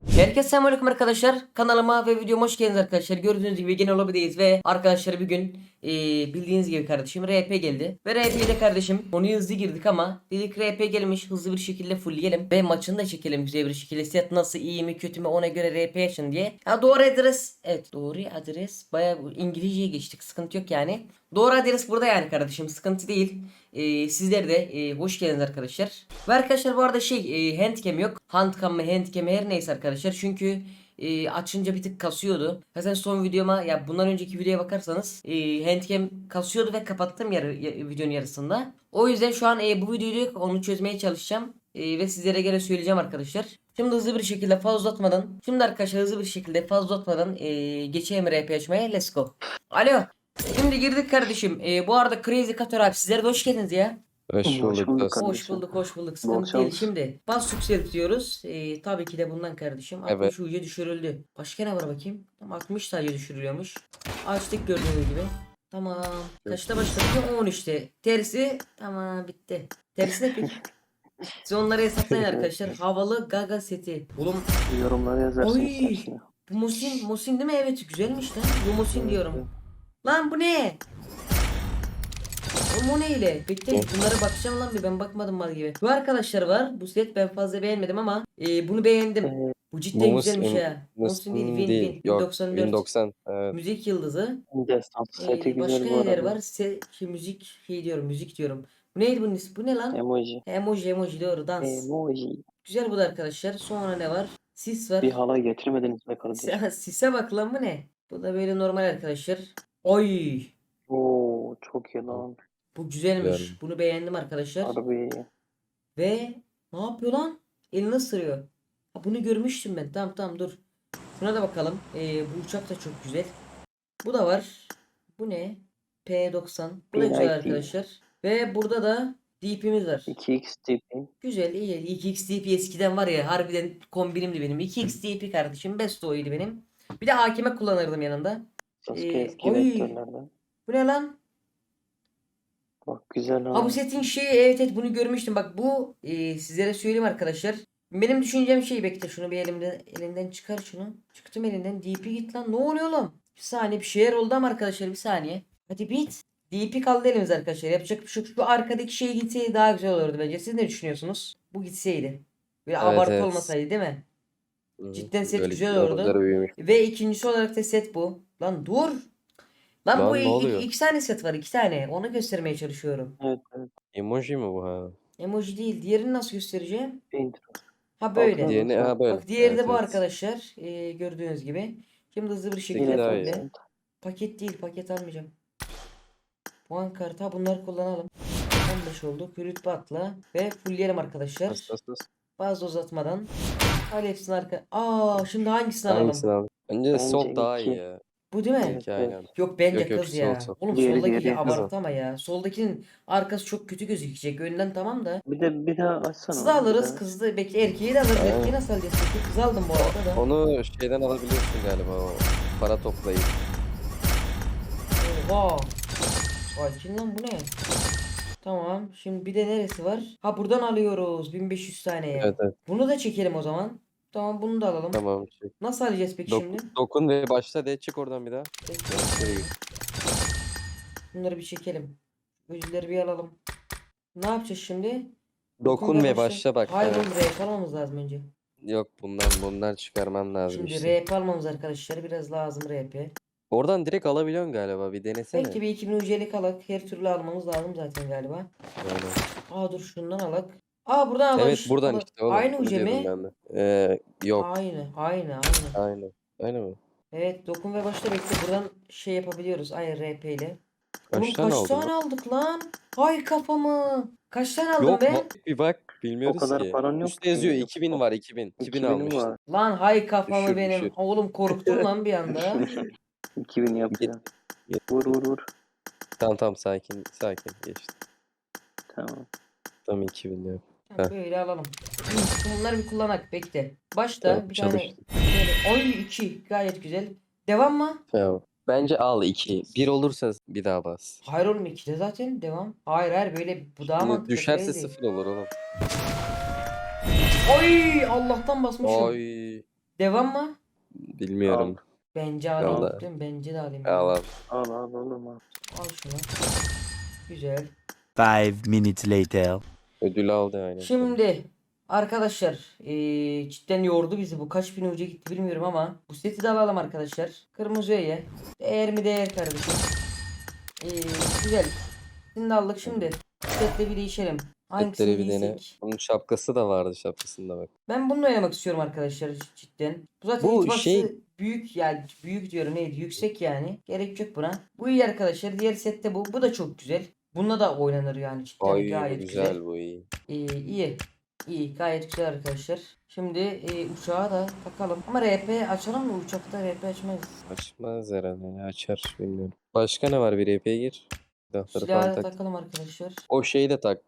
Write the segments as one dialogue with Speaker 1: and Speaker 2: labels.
Speaker 1: Herkese selamünaleyküm arkadaşlar. Kanalıma ve videoma hoş geldiniz arkadaşlar. Gördüğünüz gibi yine lobideyiz ve arkadaşlar bugün bildiğiniz gibi kardeşim RP geldi. Ve RP'de kardeşim onu hızlı girdik ama dedik RP gelmiş, hızlı bir şekilde fullleyelim ve maçını da çekelim güzel bir şekilde. Set nasıl, iyi mi kötü mü, ona göre RP açın diye. Ha, doğru adres. Evet, doğru adres. Bayağı İngilizceye geçtik, sıkıntı yok yani. Doğru adres burada yani kardeşim, sıkıntı değil. Sizler de hoş geldiniz arkadaşlar. Ve arkadaşlar bu arada handcam yok. Handcam mı handcam her neyse arkadaşlar. Çünkü açınca bir tık kasıyordu. Zaten son videoma ya bundan önceki videoya bakarsanız handcam kasıyordu ve kapattım videonun yarısında. O yüzden şu an bu videoyu onu çözmeye çalışacağım. Ve sizlere gene söyleyeceğim arkadaşlar. Şimdi hızlı bir şekilde fazla uzatmadan. Şimdi arkadaşlar hızlı bir şekilde fazla uzatmadan geçeyim RP açmaya. Let's go. Alo. Şimdi girdik kardeşim. Bu arada Crazy Kator abi sizlere de hoş geldiniz ya.
Speaker 2: Hoş bulduk dostum.
Speaker 1: Hoş bulduk, hoş bulduk.
Speaker 2: Bol
Speaker 1: Sıkıntı değil.
Speaker 2: şans.
Speaker 1: Şimdi bas yükseltiyoruz. Tabii ki de bundan kardeşim.
Speaker 2: Evet.
Speaker 1: 60 ucu düşürüldü. Başka ne var bakayım? Tam 60 sadece düşürülüyormuş. Açtık gördüğünüz gibi. Tamam. Kaçta başladık? 13'te. Tersi tamam bitti. Tersi ne peki? Siz onları hesaplayın arkadaşlar. Havalı Gaga seti. Oğlum
Speaker 2: Yorumlara yazarsın
Speaker 1: oy.
Speaker 2: istersen.
Speaker 1: Bu Mosin değil mi? Evet güzelmiş lan. Bu Mosin diyorum. Lan bu ne? O ne ile? Bekle bunlara bakacağım lan bir, ben bakmadım mal gibi. Bu arkadaşlar var. Bu set ben fazla beğenmedim ama bunu beğendim. Bu cidden güzelmiş ya. Mosin değil, Win
Speaker 2: Yok.
Speaker 1: 1094.
Speaker 2: 1090. Evet.
Speaker 1: Müzik yıldızı.
Speaker 2: Destansı seti
Speaker 1: Başka
Speaker 2: güzel bu
Speaker 1: neler
Speaker 2: arada.
Speaker 1: var? Müzik diyorum, müzik diyorum. Bu neydi bunun ismi? Bu ne lan?
Speaker 2: Emoji.
Speaker 1: Emoji doğru, dans.
Speaker 2: Emoji.
Speaker 1: Güzel bu da arkadaşlar. Sonra ne var? Sis var.
Speaker 2: Bir halay getirmediniz be kardeşim.
Speaker 1: Sise bak lan, bu ne? Bu da böyle normal arkadaşlar. Oy!
Speaker 2: Oo çok iyi lan.
Speaker 1: Bu güzelmiş.
Speaker 2: Güzel.
Speaker 1: Bunu beğendim arkadaşlar.
Speaker 2: Harbi.
Speaker 1: Ve ne yapıyor lan? Elini ısırıyor. Ha, bunu görmüştüm ben. Tamam dur. Şuna da bakalım. Bu uçak da çok güzel. Bu da var. Bu ne? P90. Bu da güzel
Speaker 2: P90.
Speaker 1: arkadaşlar. Ve burada da DP'miz var.
Speaker 2: 2x tipi.
Speaker 1: Güzel, iyi. 2x DP eskiden var ya, harbiden kombinimdi benim. 2x DP kardeşim. Best oydu benim. Bir de hakime kullanırdım yanında.
Speaker 2: Sasuke eski
Speaker 1: Oy.
Speaker 2: vektörlerden.
Speaker 1: Bu ne lan?
Speaker 2: Bak güzel
Speaker 1: Ha, bu
Speaker 2: ha.
Speaker 1: setin şeyi, evet bunu görmüştüm. Bak bu sizlere söyleyeyim arkadaşlar. Benim düşüncem bekle şunu bir elinden çıkar şunu. Çıktım elinden. DP git lan. Ne oluyor oğlum? Bir saniye, bir şeyler oldu ama arkadaşlar, bir saniye. Hadi bit. DP kaldı elimiz arkadaşlar. Yapacak bir şey yok. Şu arkadaki şey gitseydi daha güzel olurdu bence. Siz ne düşünüyorsunuz? Bu gitseydi. Böyle
Speaker 2: Evet,
Speaker 1: abartı
Speaker 2: evet.
Speaker 1: olmasaydı değil mi? Cidden set
Speaker 2: Böyle
Speaker 1: güzel olurdu.
Speaker 2: yıldızları büyümüş.
Speaker 1: Ve ikincisi olarak da set bu. Lan dur. Lan bu
Speaker 2: Lan ne oluyor?
Speaker 1: iki tane set var, iki tane. Onu göstermeye çalışıyorum.
Speaker 2: Evet. Emoji mi bu ha?
Speaker 1: Emoji değil. Diğerini nasıl göstereceğim?
Speaker 2: Intro.
Speaker 1: Ha böyle.
Speaker 2: Altına Diğerini ha böyle.
Speaker 1: Bak diğeri de
Speaker 2: Evet,
Speaker 1: bu
Speaker 2: evet.
Speaker 1: arkadaşlar. Gördüğünüz gibi. Şimdi hızlı bir şekilde
Speaker 2: Yine daha
Speaker 1: fulle.
Speaker 2: iyi.
Speaker 1: Paket değil. Paket almayacağım. Puan kartı. Ha, bunları kullanalım. 15 oldu. Rütbe atla. Ve fullleyelim arkadaşlar.
Speaker 2: Bas.
Speaker 1: Fazla uzatmadan. Al hepsini arka. Şimdi hangisini alalım?
Speaker 2: Hangisini abi? Bence sol daha iyi
Speaker 1: iki.
Speaker 2: ya.
Speaker 1: Bu değil mi?
Speaker 2: İki aynen.
Speaker 1: Yok bence
Speaker 2: Yok,
Speaker 1: kız
Speaker 2: sol,
Speaker 1: ya.
Speaker 2: sol.
Speaker 1: Oğlum
Speaker 2: Diğeri,
Speaker 1: soldaki
Speaker 2: diğeri.
Speaker 1: abartı ama ya. Soldakinin arkası çok kötü gözükecek. Önden tamam da.
Speaker 2: Bir daha açsana.
Speaker 1: Kızı da
Speaker 2: onu, bir
Speaker 1: alırız.
Speaker 2: daha.
Speaker 1: Kızı bekle, erkeği de alırız.
Speaker 2: Aynen.
Speaker 1: Erkeği nasıl alacağız peki? Kızı aldım bu arada da.
Speaker 2: Onu şeyden alabiliyorsun galiba o para toplayıp.
Speaker 1: Oha. Sakin lan, bu ne? Tamam. Şimdi bir de neresi var? Ha, buradan alıyoruz. 1500 taneye.
Speaker 2: Evet.
Speaker 1: Bunu da çekelim o zaman. Tamam, bunu da alalım.
Speaker 2: Tamam.
Speaker 1: Nasıl alacağız peki şimdi?
Speaker 2: Dokun ve başla de çık oradan bir daha.
Speaker 1: Bekle.
Speaker 2: Geri git.
Speaker 1: Bunları bir çekelim. Ödülleri bir alalım. Ne yapacağız şimdi?
Speaker 2: Dokun ve başla bak.
Speaker 1: Hayır
Speaker 2: Evet.
Speaker 1: oğlum, RP almamız lazım önce.
Speaker 2: Yok bundan çıkarman lazım
Speaker 1: Şimdi
Speaker 2: işte.
Speaker 1: RP almamız arkadaşlar. Biraz lazım RP.
Speaker 2: Oradan direkt alabiliyorsun galiba bir denesene.
Speaker 1: Belki bir 2000 UC'lik alak. Her türlü almamız lazım zaten galiba.
Speaker 2: Yani.
Speaker 1: Dur şundan alak. Buradan alak.
Speaker 2: Evet buradan işte oğlum.
Speaker 1: Aynı
Speaker 2: Bunu
Speaker 1: UC mi?
Speaker 2: diyordum ben de. Yok.
Speaker 1: Aynı.
Speaker 2: Aynen. Öyle mi?
Speaker 1: Evet, dokun ve başla bekle. Buradan şey yapabiliyoruz. Aynı RP ile. Oğlum
Speaker 2: Kaç tane
Speaker 1: kaç
Speaker 2: aldın
Speaker 1: tane aldık lan? Hay kafamı. Kaç tane aldım
Speaker 2: Yok
Speaker 1: ben?
Speaker 2: bir bak bilmiyoruz
Speaker 3: O kadar
Speaker 2: ki.
Speaker 3: paran yok
Speaker 2: Üstte yazıyor
Speaker 3: ki.
Speaker 2: 2000 var 2000. 2000 almıştın.
Speaker 3: var.
Speaker 1: Lan hay kafamı
Speaker 2: Düşür,
Speaker 1: benim.
Speaker 2: düşür.
Speaker 1: Oğlum korktum lan bir anda.
Speaker 3: 2000 yapıyor. Vur.
Speaker 2: Tamam sakin geçti.
Speaker 3: Tamam.
Speaker 2: Tam 2000 ya.
Speaker 1: Tamam, böyle alalım. Bunları bir kullanak bekle. Başta
Speaker 2: Tamam,
Speaker 1: bir tane
Speaker 2: çalıştı.
Speaker 1: böyle 2 gayet güzel. Devam mı?
Speaker 2: Tamam. Bence al 2. 1 olursa bir daha bas.
Speaker 1: Hayır oğlum, 2'de zaten devam. Hayır böyle bu daha
Speaker 2: Şimdi
Speaker 1: mantıklı.
Speaker 2: düşerse
Speaker 1: crazy.
Speaker 2: 0 olur oğlum.
Speaker 1: Oy, Allah'tan basmışım.
Speaker 2: Oy.
Speaker 1: Devam mı?
Speaker 2: Bilmiyorum.
Speaker 1: Bence alayım.
Speaker 2: Vallahi.
Speaker 1: Değil mi? Bence de alayım.
Speaker 2: Al al.
Speaker 3: Al oğlum al.
Speaker 1: Al şunu. Güzel.
Speaker 4: 5 minutes later.
Speaker 2: Ödül aldı aynen.
Speaker 1: Şimdi arkadaşlar cidden yordu bizi. Bu kaç bin hoca gitti bilmiyorum ama bu seti de alalım arkadaşlar. Kırmızı öye. Değer mi değer kardeşim. Güzel. Şimdi aldık şimdi. Setle bir değişelim. Hangisini
Speaker 2: Setleri bir dene.
Speaker 1: giysek?
Speaker 2: Bunun şapkası da vardı, şapkasında bak.
Speaker 1: Ben bununla oynamak istiyorum arkadaşlar cidden. Bu zaten
Speaker 2: Bu
Speaker 1: hitbox'ı
Speaker 2: şey-
Speaker 1: büyük yani büyük diyorum neydi yüksek yani. Gerek yok buna. Bu iyi arkadaşlar. Diğer sette bu. Bu da çok güzel. Bununla da oynanır yani cidden
Speaker 2: Ay
Speaker 1: gayet
Speaker 2: güzel,
Speaker 1: güzel.
Speaker 2: bu iyi.
Speaker 1: İyi. İyi gayet güzel arkadaşlar. Şimdi uçağı da takalım. Ama RP açalım mı? Uçakta RP açmayız.
Speaker 2: Açmaz herhalde, ne açar bilmiyorum. Başka ne var, bir EP'ye gir. Silahları falan
Speaker 1: Silahı da
Speaker 2: tak.
Speaker 1: takalım arkadaşlar.
Speaker 2: O şeyi de tak.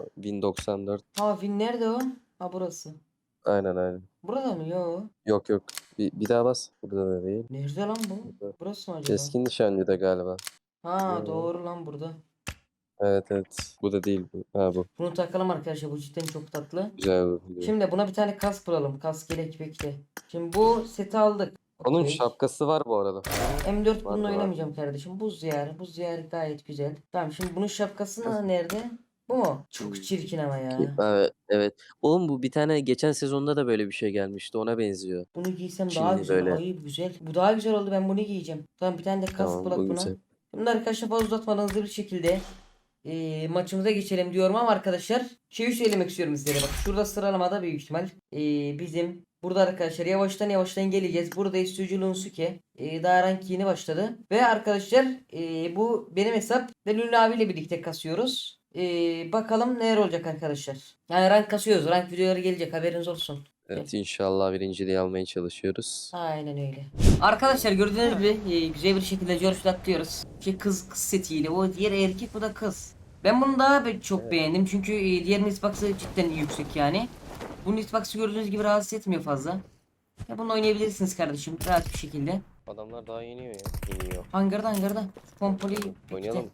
Speaker 2: 1094.
Speaker 1: Ha Win nerede o? Ha burası.
Speaker 2: Aynen.
Speaker 1: Burada mı? Yo.
Speaker 2: Yok. Bir daha bas. Burada da değil.
Speaker 1: Nerede lan bu?
Speaker 2: Burada.
Speaker 1: Burası mı acaba?
Speaker 2: Keskin nişancı da galiba.
Speaker 1: Ha
Speaker 2: Yo.
Speaker 1: doğru lan burada.
Speaker 2: Evet. Bu da değil bu. Ha bu.
Speaker 1: Bunu takalım arkadaşlar. Bu cidden çok tatlı.
Speaker 2: Güzel bu. Biliyorum.
Speaker 1: Şimdi buna bir tane kask bulalım. Kask gerek bekle. Şimdi bu seti aldık.
Speaker 2: Onun
Speaker 1: Okey.
Speaker 2: şapkası var bu arada.
Speaker 1: M4 bununla
Speaker 2: var.
Speaker 1: oynamayacağım kardeşim. Buz diyarı. Buz diyarı gayet güzel. Tamam şimdi bunun şapkası nerede? Bu mu? Çok çirkin ama ya.
Speaker 2: Evet. Oğlum bu bir tane geçen sezonda da böyle bir şey gelmişti. Ona benziyor.
Speaker 1: Bunu giysem daha
Speaker 2: Çinli
Speaker 1: güzel.
Speaker 2: böyle.
Speaker 1: Ay güzel. Bu daha güzel oldu. Ben bunu giyeceğim. Tamam bir tane de kask
Speaker 2: Tamam,
Speaker 1: bulak
Speaker 2: bu
Speaker 1: buna.
Speaker 2: güzel.
Speaker 1: Bunu da arkadaşlar fazla uzatmadan hızlı bir şekilde maçımıza geçelim diyorum ama arkadaşlar şeyi söylemek istiyorum sizlere. Bak şurada sıralamada büyük ihtimal bizim burada arkadaşlar yavaştan geleceğiz. Burada Istucu Lunsuke daha rank yeni başladı. Ve arkadaşlar bu benim hesap ve Lülü abiyle birlikte kasıyoruz. Bakalım neler olacak arkadaşlar. Yani rank kasıyoruz. Rank videoları gelecek haberiniz olsun.
Speaker 2: Evet, inşallah birinciliği almaya çalışıyoruz.
Speaker 1: Aynen öyle. Arkadaşlar gördüğünüz gibi güzel bir şekilde George atlıyoruz. Kız setiyle. O diğer erkek bu da kız. Ben bunu daha çok beğendim çünkü diğer hitbox'ı cidden yüksek yani. Bunun hitbox'ı gördüğünüz gibi rahatsız etmiyor fazla. Ya bunu oynayabilirsiniz kardeşim rahat bir şekilde.
Speaker 2: Adamlar daha iniyor ya. İniyor.
Speaker 1: Hangarda. Pompalı
Speaker 2: Oynayalım.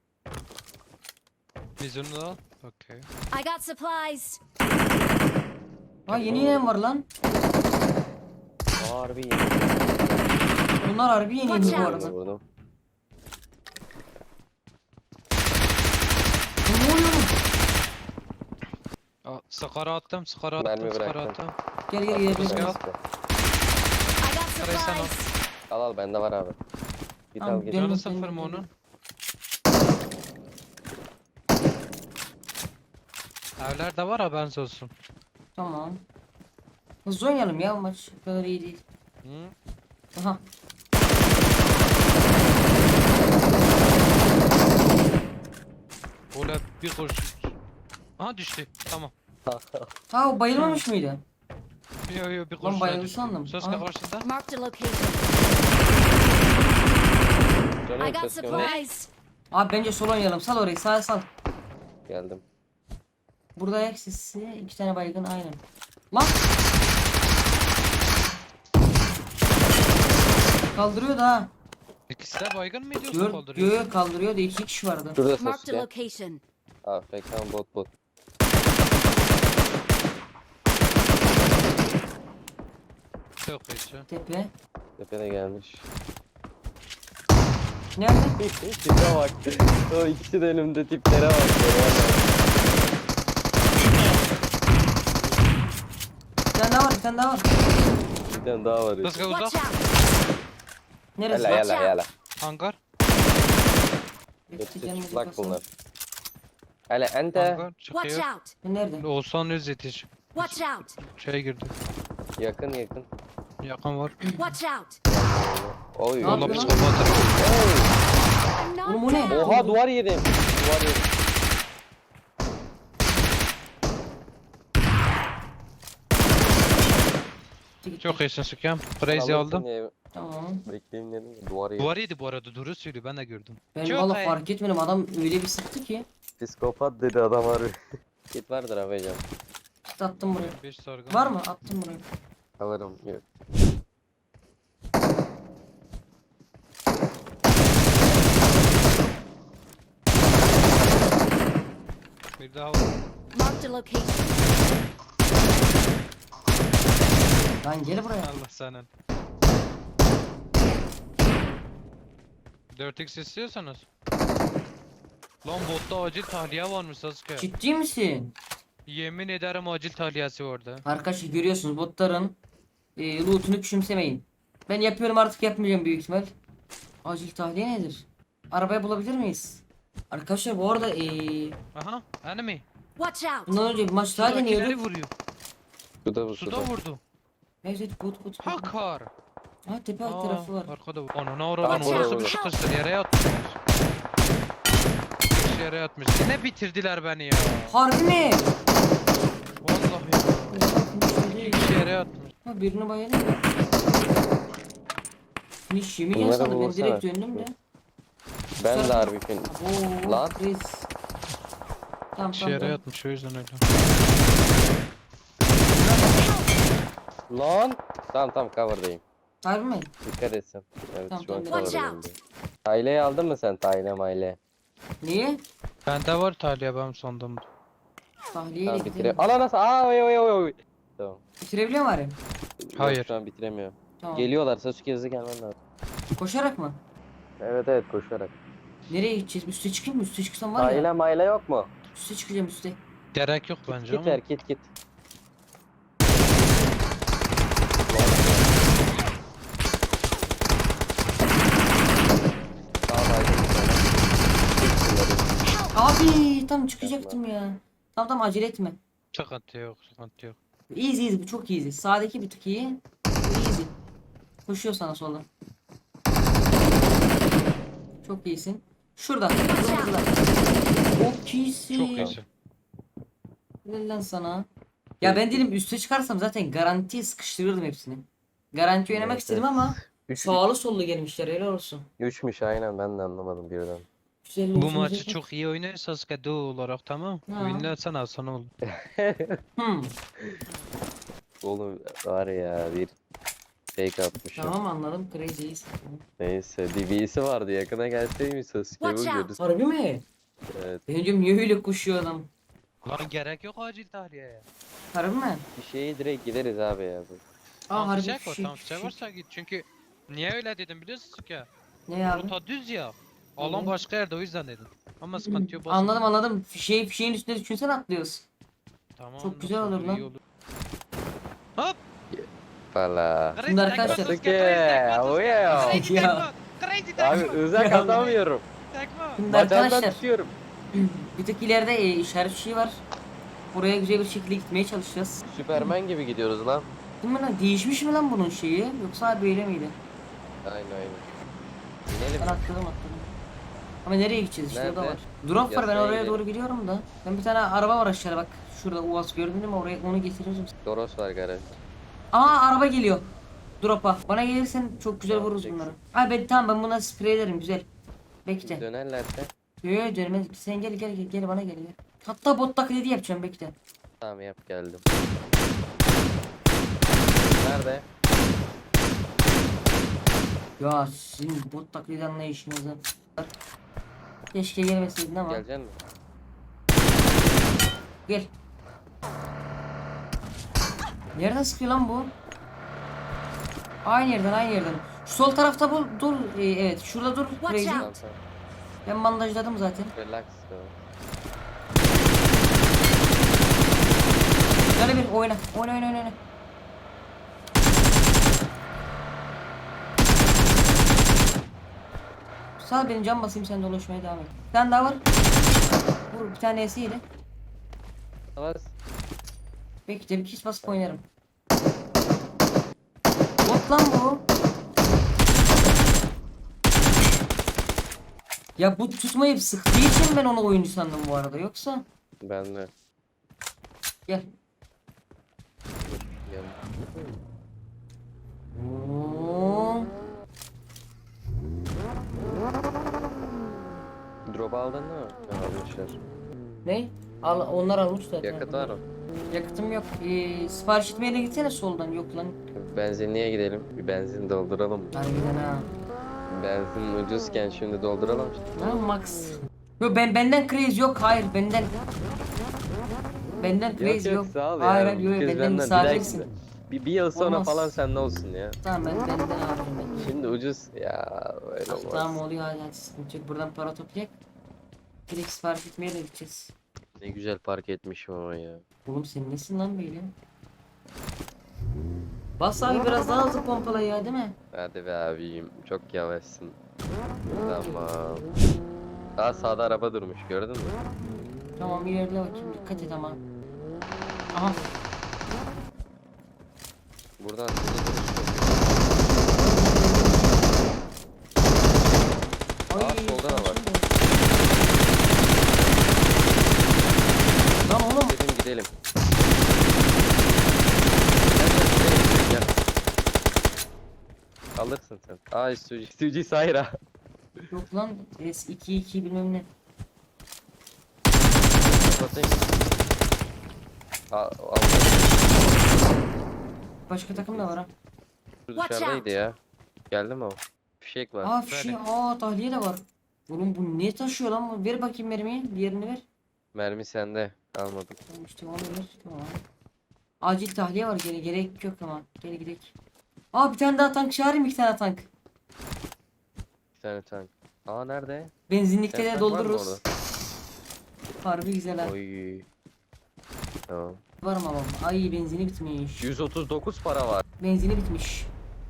Speaker 5: Biz onu da al. Okay.
Speaker 6: I got supplies.
Speaker 1: Ha yeni inen var lan.
Speaker 2: Harbi iyi.
Speaker 1: Bunlar harbi yeni
Speaker 6: Watch
Speaker 1: indi bu
Speaker 6: out.
Speaker 1: arada.
Speaker 2: Vurdum.
Speaker 1: Ne oluyor oğlum?
Speaker 5: Aa, Skara attım, skara
Speaker 2: Mermi
Speaker 5: attım, skara
Speaker 2: bıraktım.
Speaker 5: attım.
Speaker 1: Gel
Speaker 5: Rüzgar.
Speaker 1: gel.
Speaker 6: I got
Speaker 5: Skarayı sen al.
Speaker 6: supplies.
Speaker 2: Al bende var abi. Bir
Speaker 1: Tamam,
Speaker 2: dal geç.
Speaker 1: dön.
Speaker 5: Canı
Speaker 1: Benim-
Speaker 5: sıfır mı onun? Evlerde var haberiniz olsun.
Speaker 1: Tamam. Hızlı oynayalım ya maç. O kadar iyi değil.
Speaker 5: Hı?
Speaker 1: Aha.
Speaker 5: Öyle bir kurşun. Aha düştü. Tamam.
Speaker 1: Ha o bayılmamış mıydı?
Speaker 5: Yo bir kurşun.
Speaker 1: bayıldı
Speaker 5: düştü.
Speaker 1: sandım.
Speaker 5: Söz
Speaker 1: Aa.
Speaker 5: karşıda.
Speaker 6: Marked a location.
Speaker 2: Canım
Speaker 6: I got
Speaker 2: ses gönder.
Speaker 6: supplies.
Speaker 1: Abi bence sol oynayalım. Sal orayı sal.
Speaker 2: Geldim.
Speaker 1: Burada ayak sesi 2 tane baygın aynen. Lan. Kaldırıyor da ha.
Speaker 5: İkisi de baygın mı ediyorsun kaldırıyor?
Speaker 1: Gör kaldırıyor da 2 kişi vardı.
Speaker 2: Şurada
Speaker 6: Marked a
Speaker 2: Sasuke.
Speaker 6: location.
Speaker 2: AFK bot.
Speaker 5: Yok hiç.
Speaker 1: Tepe.
Speaker 2: Tepede gelmiş.
Speaker 1: Nerede?
Speaker 2: Tipe bak. O ikisi de önümde, tiplere bak.
Speaker 1: Bir tane daha var.
Speaker 2: Bir tane daha var.
Speaker 5: Söz
Speaker 6: Watch
Speaker 5: uzak.
Speaker 6: out.
Speaker 1: Neresi?
Speaker 2: Yala.
Speaker 5: Hangar.
Speaker 1: Hepsi
Speaker 2: Hepsi
Speaker 1: gelmedi
Speaker 2: çıplak
Speaker 1: kasana.
Speaker 2: bunlar. Hele ente.
Speaker 5: Hangar
Speaker 6: Watch
Speaker 5: çıkıyor.
Speaker 6: out.
Speaker 1: Nerede?
Speaker 5: Oğuzhan Öz yetiş.
Speaker 6: Watch out.
Speaker 5: Şeye girdi.
Speaker 2: Yakın.
Speaker 5: Yakın var.
Speaker 6: Watch out.
Speaker 2: Oy.
Speaker 1: Ne
Speaker 5: Valla
Speaker 1: yapıyor lan?
Speaker 5: psikopat.
Speaker 6: I'm
Speaker 1: Oğlum bu ne?
Speaker 6: knocked down.
Speaker 2: Oha, duvar yedim.
Speaker 5: Çok iyisin Sıkıyam. Crazy aldım.
Speaker 1: Tamam.
Speaker 2: Bekleyeyim dedim. Duvar yedim.
Speaker 5: Duvar yedi bu arada, doğru söylüyor, ben de gördüm.
Speaker 1: Ben
Speaker 5: Çok
Speaker 1: valla
Speaker 5: iyi.
Speaker 1: fark etmedim. Adam öyle bir sıktı ki.
Speaker 2: Psikopat dedi adam harbi. Git vardır abi can.
Speaker 1: Attım buraya.
Speaker 5: 5 sargın.
Speaker 1: Var mı? Attım buraya.
Speaker 2: Alırım. Yok.
Speaker 5: Bir daha var.
Speaker 6: Marked a location.
Speaker 1: Lan gel buraya.
Speaker 5: Allah senin. 4x istiyorsanız. Lan botta acil tahliye varmış Sasuke.
Speaker 1: Ciddi misin?
Speaker 5: Yemin ederim acil tahliyesi vardı.
Speaker 1: Arkadaşlar görüyorsunuz botların lootunu küçümsemeyin. Ben yapıyorum artık yapmayacağım büyük ihtimal. Acil tahliye nedir? Arabayı bulabilir miyiz? Arkadaşlar bu arada
Speaker 5: Aha enemy.
Speaker 6: Watch out!
Speaker 1: bundan önce bir maç daha
Speaker 5: Sudakileri
Speaker 1: deniyorduk.
Speaker 5: vuruyor.
Speaker 2: Suda bu
Speaker 5: Suda
Speaker 2: suda.
Speaker 5: vurdu.
Speaker 1: Evet bot.
Speaker 5: Hakar.
Speaker 1: Ha tepe alt tarafı var.
Speaker 5: Arkada vur. Ananı oradan
Speaker 2: Bak,
Speaker 5: orası
Speaker 2: orada.
Speaker 5: bir sıkıştır yere yatmış. Yere yatmış. Yine bitirdiler beni ya.
Speaker 1: Harbi mi?
Speaker 5: Vallahi ya. İki kişi yere yatmış.
Speaker 1: Ha birini bayıldı. Finish yemin
Speaker 2: Bunlara
Speaker 1: yasadı ben
Speaker 2: vursana.
Speaker 1: direkt döndüm de.
Speaker 2: Ben de harbi fin.
Speaker 1: Oo,
Speaker 2: Lan.
Speaker 1: Reis. Tamam
Speaker 5: İki yere
Speaker 1: tamam.
Speaker 5: yatmış o yüzden öyle.
Speaker 2: Lan. Tamam cover'dayım.
Speaker 1: Harbi mi?
Speaker 2: Dikkat etsin. Evet
Speaker 1: Tamam,
Speaker 2: şu an
Speaker 1: tamam.
Speaker 6: Watch
Speaker 2: cover'dayım.
Speaker 6: out.
Speaker 2: Tayle'yi aldın mı sen Tayle mayle?
Speaker 1: Niye?
Speaker 5: Bende var tahliye benim sondumda.
Speaker 1: Tahliyeyle
Speaker 2: Tamam bitire.
Speaker 1: gidelim.
Speaker 2: Ana nasıl? Oy. Tamam.
Speaker 1: Bitirebiliyor mu bari?
Speaker 5: Hayır.
Speaker 2: Yok, şu an bitiremiyorum.
Speaker 1: Tamam.
Speaker 2: Geliyorlar Sasuke hızlı gelmen lazım.
Speaker 1: Koşarak mı?
Speaker 2: Evet koşarak.
Speaker 1: Nereye gideceğiz? Üste çıkayım mı? Üste çıksam var ya.
Speaker 2: Tayle mayle yok mu?
Speaker 1: Üste çıkacağım üste.
Speaker 5: Gerek yok bence
Speaker 2: Git
Speaker 5: ama.
Speaker 2: ver git. Tamam
Speaker 1: Abi tam çıkacaktım ya. Tamam acele etme.
Speaker 5: Sıkıntı yok.
Speaker 1: Easy bu çok easy. Sağdaki bir tık iyi. Bu easy. Koşuyor sana soldan. Çok iyisin. Şurada. Şurada. Çok iyisin.
Speaker 5: Çok iyisin.
Speaker 1: Helal lan sana. Ya ben dedim üste çıkarsam zaten garantiye sıkıştırırdım hepsini. Garanti oynamak
Speaker 2: Evet,
Speaker 1: istedim
Speaker 2: evet.
Speaker 1: ama
Speaker 2: Üç,
Speaker 1: sağlı sollu gelmişler helal olsun.
Speaker 2: üçmüş aynen ben de anlamadım birden.
Speaker 1: Güzel
Speaker 5: Bu
Speaker 1: olsun
Speaker 5: maçı
Speaker 1: diyecektim.
Speaker 5: çok iyi oynuyor Sasuke duo olarak tamam.
Speaker 1: Ha.
Speaker 5: Winlersen alsana olur.
Speaker 1: Hmm,
Speaker 2: Oğlum var ya bir fake atmışım.
Speaker 1: tamam anladım crazy'yiz.
Speaker 2: Neyse DB'si vardı yakına gelseymiş Sasuke
Speaker 6: Watch out.
Speaker 2: vuruyoruz.
Speaker 1: Harbi mi?
Speaker 2: Evet
Speaker 1: Ben diyorum niye öyle koşuyor adam?
Speaker 5: Lan gerek yok acil tahliyeye.
Speaker 1: Harbi mi?
Speaker 2: bir şeye direkt gideriz abi ya.
Speaker 1: Aa harbi
Speaker 5: Fişek var
Speaker 1: fişek,
Speaker 5: tamam fişek varsa git. Çünkü niye öyle dedim biliyorsun Sasuke?
Speaker 1: Ne abi?
Speaker 5: Rota düz ya. Alan
Speaker 1: Evet.
Speaker 5: başka yerde o yüzden dedim. Ama sıkıntı yok.
Speaker 1: Anladım. Fişeğin üstüne düşünsen atlıyoruz.
Speaker 5: Tamam.
Speaker 1: Çok güzel
Speaker 5: nasıl
Speaker 1: olur lan.
Speaker 5: iyi olur. Hop.
Speaker 2: Valla.
Speaker 1: Şimdi arkadaşlar-
Speaker 2: Sasuke oya.
Speaker 1: Ya.
Speaker 2: Abi uzak atamıyorum.
Speaker 1: Şimdi
Speaker 2: Bacağından
Speaker 1: arkadaşlar
Speaker 2: tutuyorum.
Speaker 1: bir tık ileride işaret fişeği var. Oraya güzel bir şekilde gitmeye çalışacağız.
Speaker 2: Süpermen gibi gidiyoruz lan.
Speaker 1: Değil mi lan? Değişmiş mi lan bunun şeyi? Yoksa böyle miydi?
Speaker 2: Aynen. İnelim.
Speaker 1: Ben atladım. Ama nereye gideceğiz işte o da
Speaker 2: Nerede?
Speaker 1: var. Drop var ben
Speaker 2: Yasaya
Speaker 1: oraya
Speaker 2: gidelim.
Speaker 1: doğru gidiyorum da. Ben bir tane araba var aşağıda bak. Şurada Uaz gördün değil mi? Oraya onu getiririm.
Speaker 2: Doros var garaj.
Speaker 1: Aa araba geliyor. Drop'a. Bana gelirsen çok güzel
Speaker 2: Tamam,
Speaker 1: vururuz
Speaker 2: çek.
Speaker 1: bunları. Ay ben tamam ben buna sprey ederim güzel. Bekle.
Speaker 2: Dönerlerse
Speaker 1: Yo dönmez. Sen gel bana gel. Hatta bot taklidi yapacağım bekle.
Speaker 2: tamam yap geldim. Nerede?
Speaker 1: Ya sizin bot taklidi anlayışınızı. Keşke gelmeseydin ama.
Speaker 2: Geleceksin mi?
Speaker 1: Gel. Nereden sıkıyor lan bu? Aynı yerden. Şu sol tarafta dur. Evet şurada dur.
Speaker 6: Watch
Speaker 1: Crazy.
Speaker 6: out.
Speaker 2: Tamam tamam.
Speaker 1: Ben bandajladım zaten.
Speaker 2: Relax. Tamam.
Speaker 1: Şöyle bir oyna. Sağ benim cam basayım sen dolaşmaya devam et. Bir tane daha var. Vur bir tane esiyle.
Speaker 2: Bas.
Speaker 1: Bekle bir kişi basıp oynarım. Bot lan bu. Ya bu tutmayıp sıktığı için ben onu oyuncu sandım bu arada yoksa.
Speaker 2: Ben de.
Speaker 1: Gel.
Speaker 2: Gel.
Speaker 1: Oo.
Speaker 2: Drop aldın mı? Almışlar.
Speaker 1: Ne? Onlar almış zaten.
Speaker 2: Yakıt var mı?
Speaker 1: Yakıtım yok. Sipariş etmeye gitsene soldan yok lan.
Speaker 2: Benzinliğe gidelim. Bir benzin dolduralım.
Speaker 1: Harbiden ha.
Speaker 2: Benzin ucuzken şimdi dolduralım.
Speaker 1: Ha Max. Yok benden crazy yok hayır benden. Benden crazy yok.
Speaker 2: Yok, sağ ol ya.
Speaker 1: Hayır
Speaker 2: Bu kez
Speaker 1: benden
Speaker 2: benden
Speaker 1: misafirsin.
Speaker 2: Bir yıl sonra
Speaker 1: Olmaz.
Speaker 2: falan sende olsun ya.
Speaker 1: Tamam benden alırım ben.
Speaker 2: Şimdi ucuz ya öyle olmaz.
Speaker 1: Tamam oluyor hadi sıkıntı yok. Buradan para toplayak. Direkt sipariş etmeye de gideceğiz.
Speaker 2: Ne güzel park etmişim ama ya.
Speaker 1: Oğlum sen nesin lan böyle? Bas abi biraz daha hızlı pompala ya değil mi?
Speaker 2: Hadi be abiyim çok yavaşsın. Tamam. Daha sağda araba durmuş gördün mü?
Speaker 1: Tamam ilerle bakayım dikkat et ama. Aha.
Speaker 2: Buradan hızlı duruş yok. Aa, solda da var.
Speaker 1: Lan oğlum.
Speaker 2: Dedim gidelim. Gel. Alırsın sen. Aa Suji Sayra.
Speaker 1: Yok lan S2 bilmem ne.
Speaker 2: Kapatayım. Al.
Speaker 1: Başka takım da var ha.
Speaker 2: Şu
Speaker 6: Watch
Speaker 2: dışarıdaydı
Speaker 6: out.
Speaker 2: ya. Geldi mi o? Fişek var.
Speaker 1: Aa fişi tahliye de var. Oğlum bu ne taşıyor lan bu? Ver bakayım mermiyi. Diğerini ver.
Speaker 2: Mermi sende. Almadım.
Speaker 1: Tamam işte onu ver. Tamam. Acil tahliye var gene gerek yok ama. Gel gidelim. Aa bir tane daha tank çağırayım 2 tane tank.
Speaker 2: Bir tane tank. Aa nerede?
Speaker 1: Benzinlikte
Speaker 2: Sen
Speaker 1: de
Speaker 2: tank var mı
Speaker 1: doldururuz.
Speaker 2: orada?
Speaker 1: Harbi güzel ha.
Speaker 2: Oy. Tamam.
Speaker 1: Var mı ama? Ay benzini bitmiş.
Speaker 2: 139 para var.
Speaker 1: Benzini bitmiş.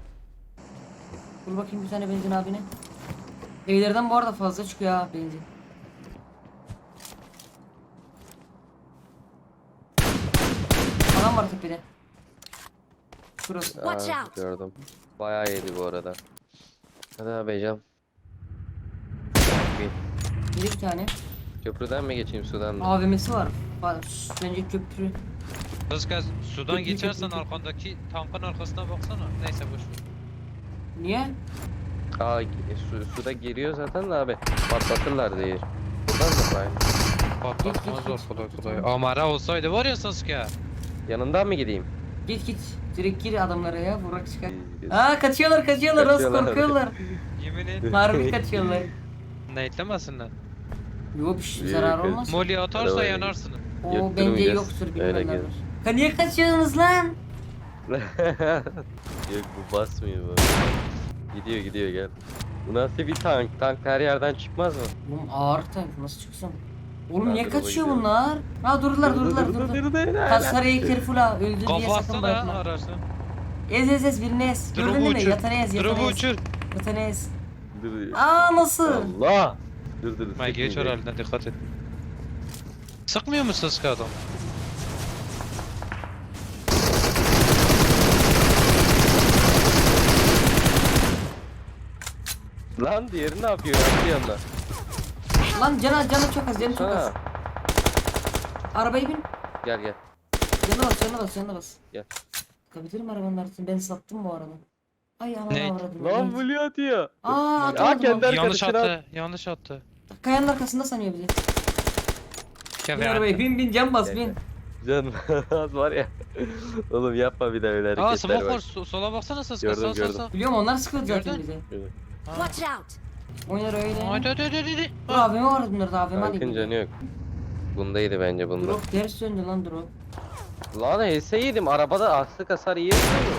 Speaker 1: Dur bakayım bir tane benzin abine. Evlerden bu arada fazla çıkıyor ha benzin. Adam var tepede. Şurası.
Speaker 6: Watch
Speaker 2: Aa,
Speaker 6: out.
Speaker 2: gördüm. Bayağı yedi bu arada. Hadi abi Can.
Speaker 1: Bir tane.
Speaker 2: Köprüden mi geçeyim sudan mı?
Speaker 1: AVM'si var. Bence köprü.
Speaker 5: Kız sudan
Speaker 1: Köprü,
Speaker 5: geçersen
Speaker 1: köprü.
Speaker 5: arkandaki tankın arkasına baksana. Neyse boş ver.
Speaker 1: Niye?
Speaker 2: Aa suda giriyor zaten de abi. Patlatırlar diye. Buradan mı bayım?
Speaker 5: Patlatmazlar kolay kolay. Amara olsaydı var ya Sasuke.
Speaker 2: Yanından mı gideyim?
Speaker 1: Git. Direkt gir adamlara ya. Vurak çıkar.
Speaker 2: Biz-
Speaker 1: Aa kaçıyorlar. Nasıl
Speaker 2: Kaçıyorlar.
Speaker 1: korkuyorlar.
Speaker 5: Yemin et.
Speaker 1: Harbi kaçıyorlar.
Speaker 5: Neytlemesinler.
Speaker 1: Yok bir şey
Speaker 2: Büyük
Speaker 1: zarar
Speaker 2: kız.
Speaker 1: olmaz.
Speaker 5: Molly atarsa
Speaker 2: Arabaya
Speaker 5: yanarsın.
Speaker 1: O bence
Speaker 2: Yutturmayacağız.
Speaker 1: yoktur
Speaker 2: Öyle
Speaker 1: bilmem
Speaker 2: gelir.
Speaker 1: ne. Niye kaçıyorsunuz lan?
Speaker 2: Yok bu basmıyor bu. Gidiyor gel. Bu nasıl bir tank? Tank her yerden çıkmaz mı?
Speaker 1: Oğlum ağır tank nasıl çıksam? Oğlum
Speaker 2: Ben
Speaker 1: niye
Speaker 2: de
Speaker 1: kaçıyor
Speaker 2: baba
Speaker 1: bunlar? Ha durdular. Kasarayı careful ha. Öldü diye
Speaker 5: Kafa
Speaker 1: sakın
Speaker 5: atsana
Speaker 1: bırakma.
Speaker 5: araçta.
Speaker 1: Ez birini ez. Gördün
Speaker 5: Drop'u
Speaker 1: değil mi?
Speaker 5: uçur.
Speaker 1: Yatanı ez.
Speaker 5: Drop'u uçur.
Speaker 1: Yatanı ez.
Speaker 2: Dur.
Speaker 1: Aa nasıl?
Speaker 2: Allah! Dur.
Speaker 5: Ben geç
Speaker 2: sıkmayacak.
Speaker 5: oralinden dikkat et. Sıkmıyor mu Sasuke adam?
Speaker 2: Lan diğeri ne yapıyor? Yaptı yanına.
Speaker 1: Lan canı çok az. Canı çok az.
Speaker 2: Ha.
Speaker 1: Arabaya bin.
Speaker 2: Gel.
Speaker 1: Canına bas.
Speaker 2: Gel.
Speaker 1: Kapatırım arabanın arkasını. Ben sattım bu arada. Ay aman
Speaker 5: Ne?
Speaker 1: avradım.
Speaker 2: Lan Blue atıyor.
Speaker 1: Aa
Speaker 2: Aa,
Speaker 1: atamadım.
Speaker 2: kendi
Speaker 1: Kendi...
Speaker 5: Yanlış
Speaker 2: arkadaşına-
Speaker 5: attı. Yanlış attı.
Speaker 1: Kayanın arkasında sanıyor bizi.
Speaker 5: Gel
Speaker 1: Bin
Speaker 5: be.
Speaker 1: arabaya bin can bas
Speaker 2: Gel,
Speaker 1: bin.
Speaker 2: Can az var ya. Oğlum yapma bir daha öyle
Speaker 5: Aa
Speaker 2: hareketler
Speaker 5: smoke var.
Speaker 2: bak.
Speaker 5: Sola baksana Sasuke.
Speaker 2: Gördüm,
Speaker 5: Sağ.
Speaker 2: gördüm.
Speaker 1: Biliyorum onlar sıkıldı zaten
Speaker 5: Gördün?
Speaker 1: bize.
Speaker 6: Watch out.
Speaker 1: Oynar öyle.
Speaker 5: Hadi.
Speaker 1: Dur AVM vardı bunlarda AVM
Speaker 2: Tankın
Speaker 1: alayım.
Speaker 2: canı yok. Bundaydı bence bunda.
Speaker 1: Drop ters döndü lan drop.
Speaker 2: Lan HS yedim arabada aslık hasar yiyor mu?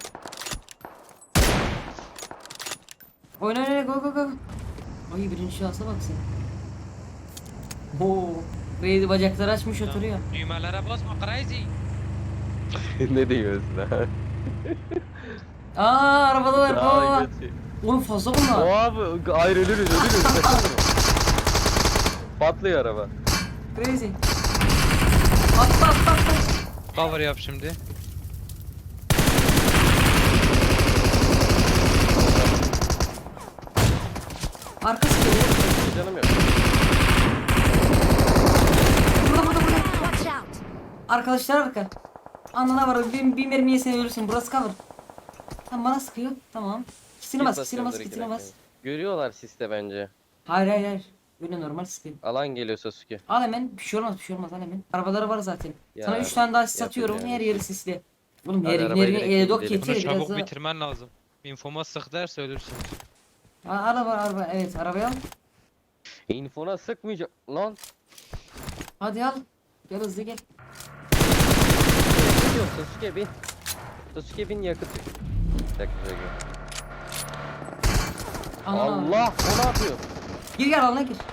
Speaker 1: Oyna go. Ay birinci şansa bak sen. Oo. Beydi bacakları açmış oturuyor.
Speaker 5: Düğmelere basma crazy.
Speaker 2: Ne diyorsun ha?
Speaker 1: Aa arabadalar
Speaker 2: Aa,
Speaker 1: baba.
Speaker 2: götü.
Speaker 1: Oğlum fazla bunlar.
Speaker 2: Abi ayrı ölürüz. Patlıyor araba.
Speaker 1: Crazy. Atla.
Speaker 5: Cover yap şimdi.
Speaker 1: Arkası geliyor.
Speaker 2: Canım yok.
Speaker 1: Burada.
Speaker 6: Watch out.
Speaker 1: Arkadaşlar arka. Anana var. Bir mermi yesen ölürsün. Burası cover. Tamam bana sıkıyor. Tamam. İkisini bas. İkisini bas.
Speaker 2: Görüyorlar siste bence.
Speaker 1: Hayır. Böyle normal sıkıyor.
Speaker 2: Alan geliyor Sasuke.
Speaker 1: Al hemen. Bir şey olmaz al hemen. Arabaları var zaten.
Speaker 2: Ya,
Speaker 1: Sana 3 tane daha sis
Speaker 2: yapın
Speaker 1: atıyorum.
Speaker 2: yani.
Speaker 1: Her yeri sisli. Oğlum
Speaker 2: Hadi
Speaker 1: her
Speaker 2: arabaya
Speaker 1: yerini
Speaker 2: gidelim,
Speaker 1: dok
Speaker 2: gidelim.
Speaker 1: getir.
Speaker 5: Bunu
Speaker 1: Biraz
Speaker 5: çabuk
Speaker 1: daha.
Speaker 5: bitirmen lazım. Infoma sık derse ölürsün.
Speaker 1: Araba. Evet arabaya al.
Speaker 2: Infona sıkmayacak lan.
Speaker 1: Hadi al. Gel hızlı gel.
Speaker 2: Ne diyorsun Sasuke bir? Sasuke bin yakıt. Bir dakika şöyle gel.
Speaker 1: Aman abi.
Speaker 2: Allah! O ne yapıyor?
Speaker 1: Gir gel alana gir.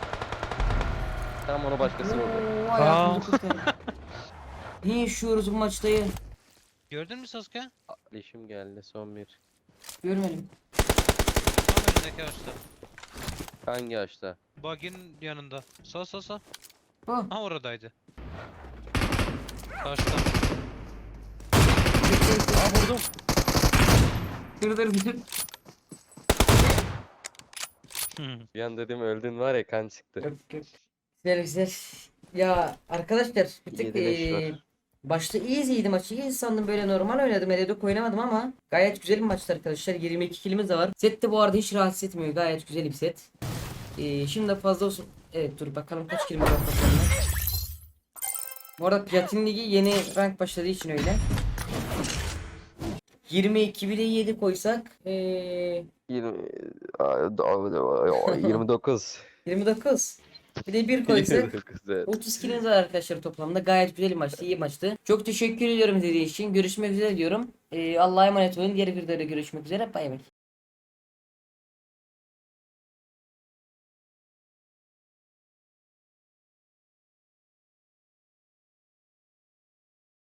Speaker 2: Tamam onu başkası vurdu.
Speaker 1: Oo, hayatımızı kurtardı. Ne yaşıyoruz bu maçtayı?
Speaker 5: Gördün mü Sasuke?
Speaker 2: Leşim geldi son bir.
Speaker 1: Görmedim.
Speaker 5: Tam önündeki ağaçta.
Speaker 2: Hangi ağaçta?
Speaker 5: Bug'in yanında. Sağ.
Speaker 1: Bu.
Speaker 5: Ha oradaydı. Karşıda.
Speaker 2: Aa vurdum.
Speaker 1: Dur.
Speaker 2: Bir an dedim öldün var ya kan çıktı.
Speaker 1: Yok. Güzel. Ya arkadaşlar bir tık
Speaker 2: 7-5 var.
Speaker 1: başta iyiydi maçı. İyi sandım böyle normal oynadım. Eledok oynamadım ama gayet güzel bir maçtı arkadaşlar. 22 kilimiz de var. Set de bu arada hiç rahatsız etmiyor. Gayet güzel bir set. Şimdi de fazla olsun. Evet dur bakalım kaç kilimiz var toplamda. Bu arada Platin Ligi yeni rank başladığı için öyle. 22 bir de 7 koysak
Speaker 2: 29.
Speaker 1: 29. Bir de 1 koysak
Speaker 2: 29 evet.
Speaker 1: 30 kiliniz var arkadaşlar toplamda. Gayet güzel bir maçtı, iyi maçtı. Çok teşekkür ediyorum izlediğiniz için. Görüşmek üzere diyorum. Allah'a emanet olun. Diğer videoda görüşmek üzere. Bay bay.